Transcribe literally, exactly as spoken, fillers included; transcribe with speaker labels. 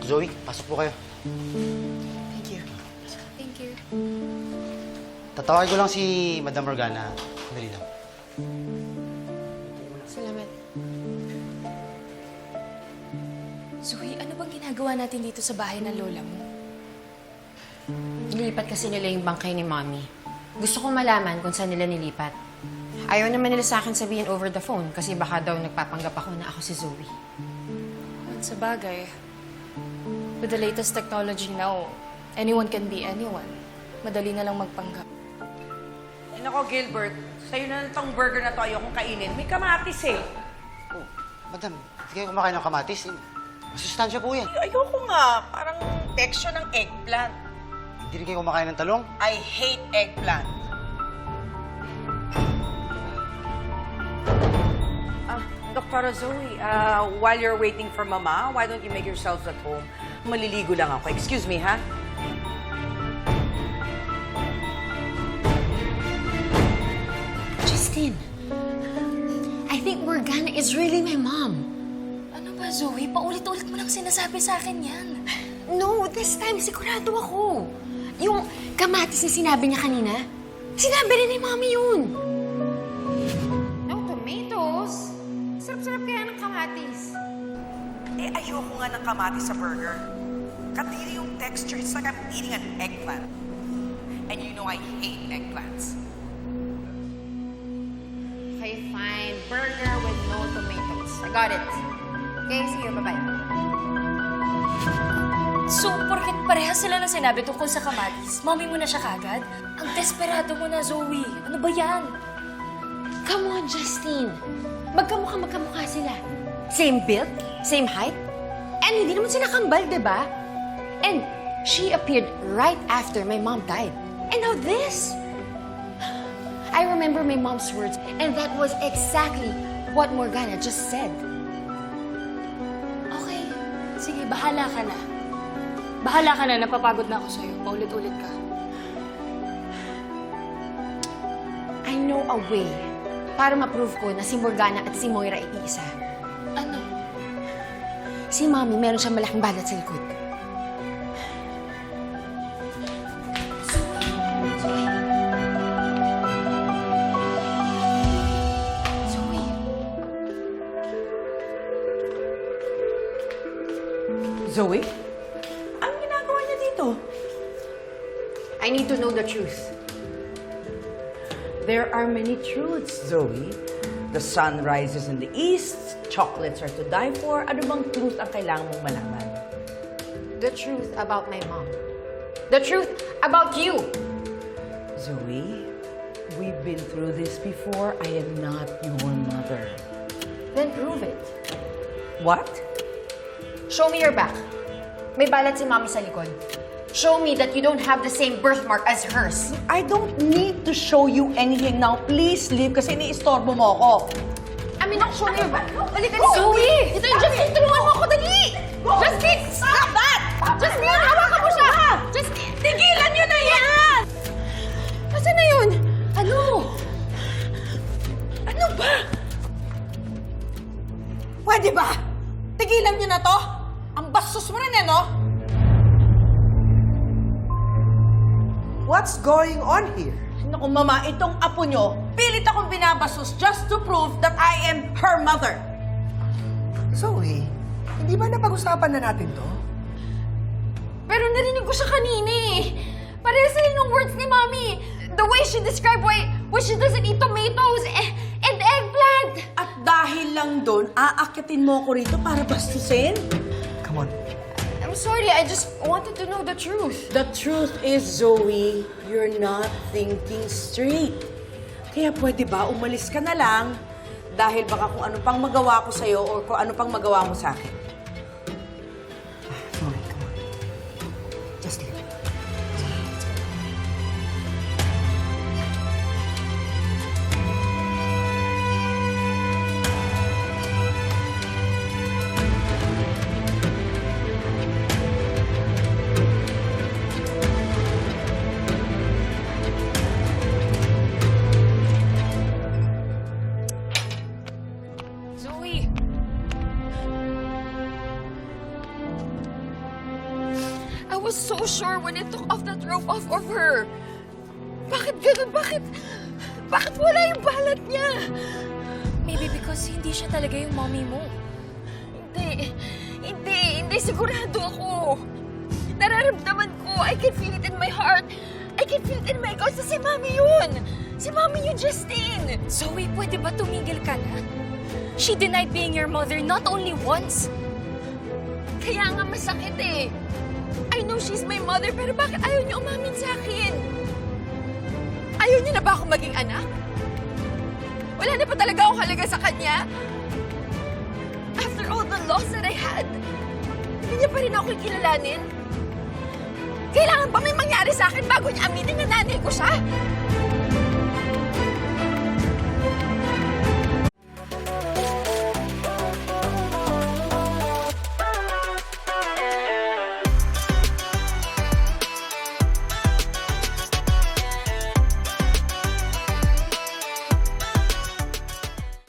Speaker 1: Zoe, pasok po kayo.
Speaker 2: Thank you.
Speaker 3: Thank you.
Speaker 1: Tatawagin ko lang si Madam Morgana. Dali lang.
Speaker 3: Salamat. Zoe, ano bang ginagawa natin dito sa bahay ng lola mo?
Speaker 2: Nilipat kasi nila yung bangkay ni Mommy. Gusto ko malaman kung saan nila nilipat. Ayaw naman nila sa akin sabihin over the phone kasi baka daw nagpapanggap ako na ako si Zoe.
Speaker 3: At sa bagay, with the latest technology now, anyone can be anyone. Madali na lang magpanggap.
Speaker 4: Eh, nako, Gilbert, sa'yo na itong burger na to ayokong kainin. May kamatis eh.
Speaker 1: Oh, Madam, hindi kayo kumakain ng kamatis. Masustansya po yan.
Speaker 4: Ay, ayoko nga. Parang texture ng eggplant.
Speaker 1: Hindi rin kayo kumakain ng talong.
Speaker 4: I hate eggplant. Ah, Doctora Zoe, uh, while you're waiting for Mama, why don't you make yourselves at home? Maliligo lang ako. Excuse me, ha?
Speaker 2: Justin, I think Morgana is really my mom.
Speaker 3: Ano ba, Zoe? Paulit-ulit mo lang sinasabi sa akin yan.
Speaker 2: No, this time sigurado ako. Yung kamatis na sinabi niya kanina, sinabi rin ni Mommy yun. No tomatoes. Sarap-sarap kaya ng kamatis.
Speaker 4: Eh, ayoko nga ng kamatis sa burger. Katili yung texture. It's like I'm eating an eggplant. And you know I hate eggplants.
Speaker 2: Okay, fine. Burger with no tomatoes. I got it. Okay, see you. Bye-bye.
Speaker 3: So, porket parehas sila na sinabi tungkol sa kamatis, mommy mo na siya kagad? Ang desperado mo na, Zoe. Ano ba yan?
Speaker 2: Come on, Justine. Magkamukha-magkamukha sila. Same build, same height, and hindi naman sila kambal, di ba? And she appeared right after my mom died. And now this. I remember my mom's words, and that was exactly what Morgana just said.
Speaker 3: Okay. Sige, bahala ka na. Bahala ka na, napapagod na ako sa'yo. Paulit-ulit ka.
Speaker 2: I know a way para ma-prove ko na si Morgana at si Moira ay iisa.
Speaker 3: Ano?
Speaker 2: Si Mommy, meron siyang malaking balat sa likod.
Speaker 3: Zoe.
Speaker 4: Zoe? Ang ginagawa niya dito?
Speaker 2: I need to know the truth.
Speaker 4: There are many truths, Zoe. The sun rises in the east, chocolates are to die for. Ano bang truth ang kailangan mong malaman?
Speaker 2: The truth about my mom. The truth about you.
Speaker 4: Zoe, we've been through this before. I am not your mother.
Speaker 2: Then prove it.
Speaker 4: What?
Speaker 2: Show me your back. May balat si Mommy sa likod. Show me that you don't have the same birthmark as hers.
Speaker 4: I don't need to show you anything now. Please leave kasi iniistorbo mo ako.
Speaker 2: I mean, show me your back. Dali, dali. Zoe! Ito yung Justin, tulungan mo ako, dali! Justin!
Speaker 4: Stop that!
Speaker 2: Justin, hawakan mo siya! Justin!
Speaker 4: Tigilan niyo na yan!
Speaker 2: Nasaan na yun? Ano?
Speaker 4: Ano ba? Pwede ba? Tigilan niyo na to? Ang bastos mo rin eh, no?
Speaker 5: What's going on here?
Speaker 4: Naku, Mama, itong apo nyo, pilit akong binabastos just to prove that I am her mother.
Speaker 5: Zoe, hindi ba napag-usapan na natin to?
Speaker 2: Pero narinig ko siya kanina eh. Parehas sila nung words ni Mommy. The way she described why, why she doesn't eat tomatoes eh, and eggplant.
Speaker 4: At dahil lang doon, aakitin mo ko rito para bastusin?
Speaker 5: Come on.
Speaker 2: I'm sorry, I just wanted to know the truth.
Speaker 4: The truth is, Zoe, you're not thinking straight. Kaya pwede ba umalis ka na lang dahil baka kung ano pang magawa ko sa'yo o kung ano pang magawa mo sa akin.
Speaker 5: Zoe, come on. Just leave.
Speaker 2: was so sure when it took off that rope off of her. Bakit ganun? Bakit? Bakit wala yung balat niya?
Speaker 3: Maybe because hindi siya talaga yung mommy mo.
Speaker 2: Hindi. Hindi. Hindi. Sigurado ako. Nararamdaman ko. I can feel it in my heart. I can feel it in my guts. Si Mami yun. Si Mami yun, Justine.
Speaker 3: Zoe, pwede ba tumigil ka na? She denied being your mother not only once.
Speaker 2: Kaya nga masakit eh. I know she's my mother, pero bakit ayaw niya umamin sa akin? Ayaw niya na ba ako maging anak? Wala na pa talaga akong halaga sa kanya? After all the loss that I had, hindi niya pa rin ako kilalanin? Kailangan ba may mangyari sa akin bago niya aminin na nanay ko siya?